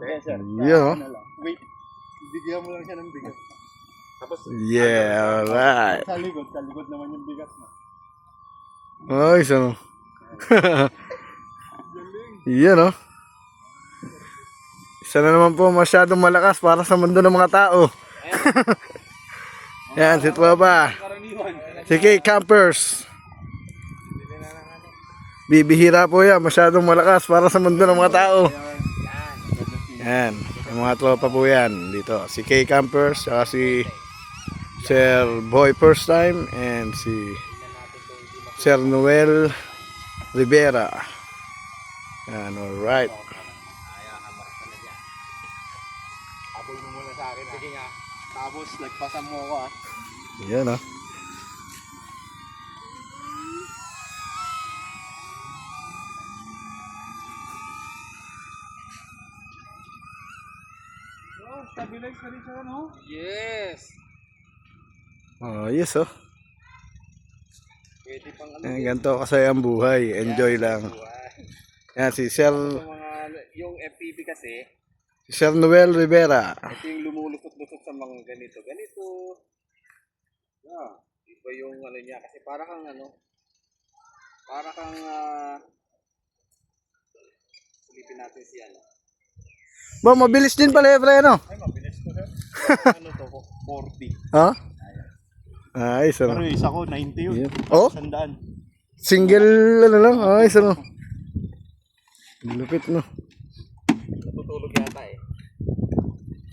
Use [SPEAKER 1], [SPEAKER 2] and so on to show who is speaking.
[SPEAKER 1] Kaya sir.
[SPEAKER 2] Yeah.
[SPEAKER 1] Ano lang. Wait. Bigyan mo lang siya ng bigat. Tapos,
[SPEAKER 2] Yeah, alright.
[SPEAKER 1] sa likod naman yung bigat na.
[SPEAKER 2] Ay, ano. Yan, oh. Isa na naman po masyadong malakas para sa mundo ng mga tao. Yan, si Tropa. Si K Campers. Bibihira po yan, masyadong malakas para sa mundo ng mga tao. Yan, yung mga tropa po yan dito. Si K Campers, saka si Sir Boy First Time, and si Sir Noel Rivera. Yan, alright.
[SPEAKER 1] Habol mo muna sa akin. Sige nga. Tapos, nagpasan mo ako ah.
[SPEAKER 2] Yan, oh.
[SPEAKER 1] Stabilize na rin siya, no?
[SPEAKER 3] Yes.
[SPEAKER 2] Oh, yes, oh.
[SPEAKER 1] Pwede pang ano.
[SPEAKER 2] Yan, ganito kasi ang buhay. Enjoy lang. Yan, si Sir,
[SPEAKER 1] Yung FPV kasi,
[SPEAKER 2] si Sir Noel Rivera.
[SPEAKER 1] ito yung lumulusot-lusot sa mga ganito. Yeah. Iba yung ano niya. Kasi para kang silipin natin si ano.
[SPEAKER 2] Ba, mabilis din pala, pre, ano?
[SPEAKER 1] Ay, mabilis ko sir. Ano to? 40.
[SPEAKER 2] Ha? Ayos, ano?
[SPEAKER 1] Pero isa ko, 90 yun.
[SPEAKER 2] Oh?
[SPEAKER 1] 100.
[SPEAKER 2] Single, ano lang? Ayos, ano? Lupit, no?